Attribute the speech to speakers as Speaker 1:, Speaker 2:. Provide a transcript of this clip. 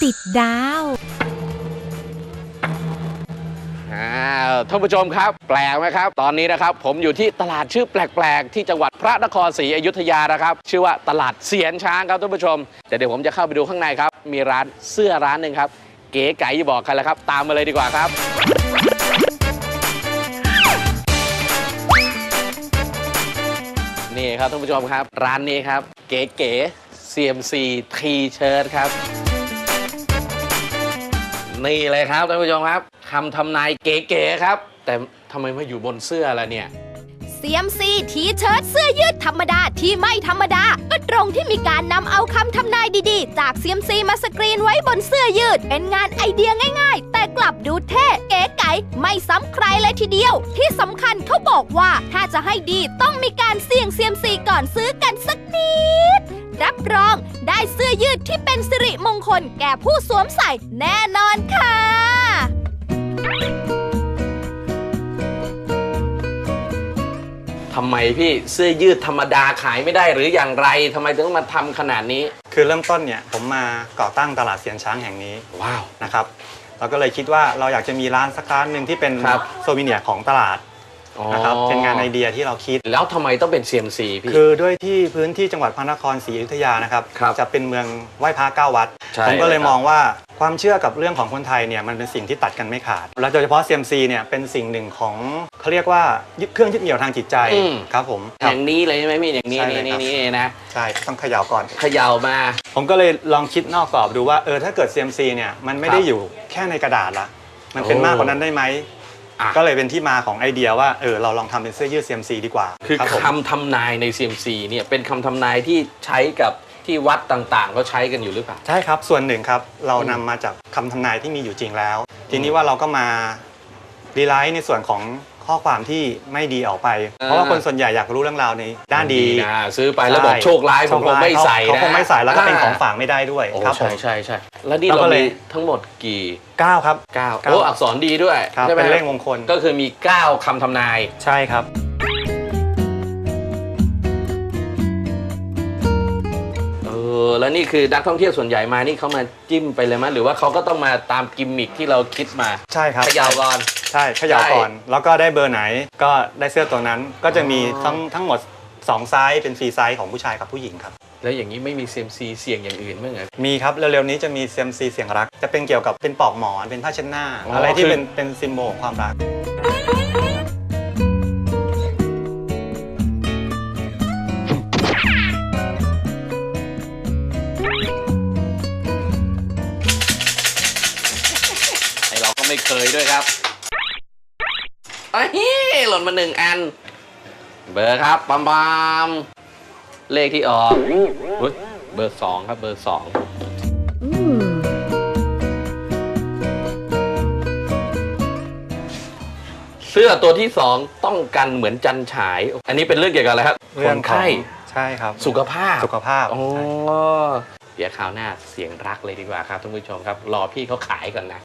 Speaker 1: ติดดาว
Speaker 2: ท่านผู้ชมครับแปลกไหมครับตอนนี้นะครับผมอยู่ที่ตลาดชื่อแปลกๆที่จังหวัดพระนครศรีอยุธยานะครับชื่อว่าตลาดเสียนช้างครับท่านผู้ชมแต่เดี๋ยวผมจะเข้าไปดูข้างในครับมีร้านเสื้อร้านหนึ่งครับเก๋ไก๋อย่าบอกใครแล้วครับตามมาเลยดีกว่าครับนี่ครับท่านผู้ชมครับร้านนี้ครับเก๋ๆ CMC T-shirt ครับนี่เลยครับท่านผู้ชมครับคำทำนายเก๋ๆครับแต่ทำไมมาอยู่บนเสื้อล่ะเนี่ย
Speaker 1: CMC ทีเชิ้ตเสื้อยืดธรรมดาที่ไม่ธรรมดาก็ตรงที่มีการนำเอาคำทำนายดีๆจาก CMC มาสกรีนไว้บนเสื้อยืดเป็นงานไอเดียง่ายๆแต่กลับดูเท่เก๋ไก๋ไม่ซ้ำใครเลยทีเดียวที่สำคัญเขาบอกว่าถ้าจะให้ดีต้องมีการเสี่ยง CMC ก่อนซื้อกันสักนิดรับรองได้เสื้อยืดที่เป็นสิริมงคลแก่ผู้สวมใส่แน่นอนค่ะ
Speaker 2: ทำไมพี่เสื้อยืดธรรมดาขายไม่ได้หรืออย่างไรทำไมถึงมาทำขนาดนี้
Speaker 3: คือเริ่มต้นเนี่ยผมมาก่อตั้งตลาดเสียนช้างแห่งนี้
Speaker 2: ว้าว
Speaker 3: นะครับเราก็เลยคิดว่าเราอยากจะมีร้านสักร้านหนึ่งที่เป็น
Speaker 2: ครับ
Speaker 3: โซวิเนียร์ของตลาดนะครับเป็นงานไอเดียที่เราคิด
Speaker 2: แล้วทำไมต้องเป็น CMC พี่
Speaker 3: คือด้วยที่พื้นที่จังหวัดพระนครศรีอยุธยานะครับ
Speaker 2: ครับ
Speaker 3: จะเป็นเมืองไหว้พระเก้าวัด
Speaker 2: ใช่
Speaker 3: ผมก็เลย
Speaker 2: ครับ
Speaker 3: มองว่าความเชื่อกับเรื่องของคนไทยเนี่ยมันเป็นสิ่งที่ตัดกันไม่ขาดและโดยเฉพาะ CMC เนี่ยเป็นสิ่งหนึ่งของเขาเรียกว่าเครื่องยึดเหนี่ยวทางจิตใจครับผม
Speaker 2: อย่างนี้เลยใช่ไหมพี่อย่างนี้
Speaker 3: ใช่เลย
Speaker 2: นี่
Speaker 3: ครับ
Speaker 2: นี่นะ
Speaker 3: ใช่ต้องเขย่าก่อน
Speaker 2: เขย่ามา
Speaker 3: ผมก็เลยลองคิดนอกกรอบดูว่าถ้าเกิด CMC เนี่ยมันไม่ได้อยู่แค่ในกระดาษละมันเป็นมากกว่านั้นได้ไหม
Speaker 2: อ่ะ
Speaker 3: ก็เลยเป็นที่มาของไอเดียว่าเราลองทำเป็นเสื้อยืด CMC ดีกว่า
Speaker 2: คือ
Speaker 3: รับผม
Speaker 2: คำทำนายใน CMC เนี่ยเป็นคำทำนายที่ใช้กับที่วัดต่างๆก็ใช้กันอยู่หรือเปล่า
Speaker 3: ใช่ครับส่วนหนึ่งครับเรานำมาจากคำทำนายที่มีอยู่จริงแล้ว ทีนี้ว่าเราก็มารีไลท์ในส่วนของข้อความที่ไม่ดีออกไป เพราะว่าคนส่วนใหญ่อยากรู้เรื่องราวในด้านดี
Speaker 2: นะซื้อไปแล้วบอกโชคร้ายผมคงไม่ใส่นะ
Speaker 3: เขาคงไม่ใส่แล้วก็เป็นของฝากไม่ได้ด้วย
Speaker 2: โอ้
Speaker 3: ครับผ
Speaker 2: ใช่
Speaker 3: ม
Speaker 2: ใช่ใช่แล้วนี่
Speaker 3: เรา
Speaker 2: เรา
Speaker 3: ก็เล
Speaker 2: มี
Speaker 3: ย
Speaker 2: ทั้งหมดกี่
Speaker 3: 9ครับ
Speaker 2: 9โอ้อักษรดีด้วย
Speaker 3: ครับ
Speaker 2: ใช่ไหม
Speaker 3: เป็นเลขมงคล
Speaker 2: ก็คือมี 9คำทำนาย
Speaker 3: ใช่ครับ
Speaker 2: แล้วนี่คือนักท่องเที่ยวส่วนใหญ่มานี่เขามาจิ้มไปเลยมั้ยหรือว่าเขาก็ต้องมาตามกิมมิคที่เราคิดมา
Speaker 3: ใช่ครับ
Speaker 2: เขย่าก่อน
Speaker 3: ใช่เขย่าก่อนแล้วก็ได้เบอร์ไหนก็ได้เสื้อตัวนั้นก็จะมีทั้งหมด2ไซส์เป็นฟรีไซส์ของผู้ชายกับผู้หญิงครับ
Speaker 2: แล้วอย่างนี้ไม่มี CMC เสี่ยงอย่างอื่นมั้งเหรอ
Speaker 3: มีครับเร็วๆนี้จะมี CMC เสียงรักจะเป็นเกี่ยวกับเป็นปลอกหมอนเป็นผ้าเช็ดหน้า
Speaker 2: อ๋ออ
Speaker 3: อะไรที่
Speaker 2: คือ
Speaker 3: เป็นซิมโบลของความรัก
Speaker 2: ไอเราก็ไม่เคยด้วยครับไอ้หล่นมา1 อันเบอร์ครับปั๊มเลขที่ออกเฮ้ยเบอร์ 2ครับเบอร์ 2เสื้อตัวที่ 2ต้องกันเหมือนจันฉาย อันนี้เป็นเรื่องเกี่ยวกับอะไรครับ
Speaker 3: เรื่อง
Speaker 2: คน
Speaker 3: ของ
Speaker 2: ไข้
Speaker 3: ใช่ครับ
Speaker 2: สุขภาพ
Speaker 3: สุขภาพ
Speaker 2: อ๋อ
Speaker 3: ใช่
Speaker 2: เดี๋ยวคราวหน้าเสียงรักเลยดีกว่าครับท่านผู้ชมครับรอพี่เขาขายก่อนนะ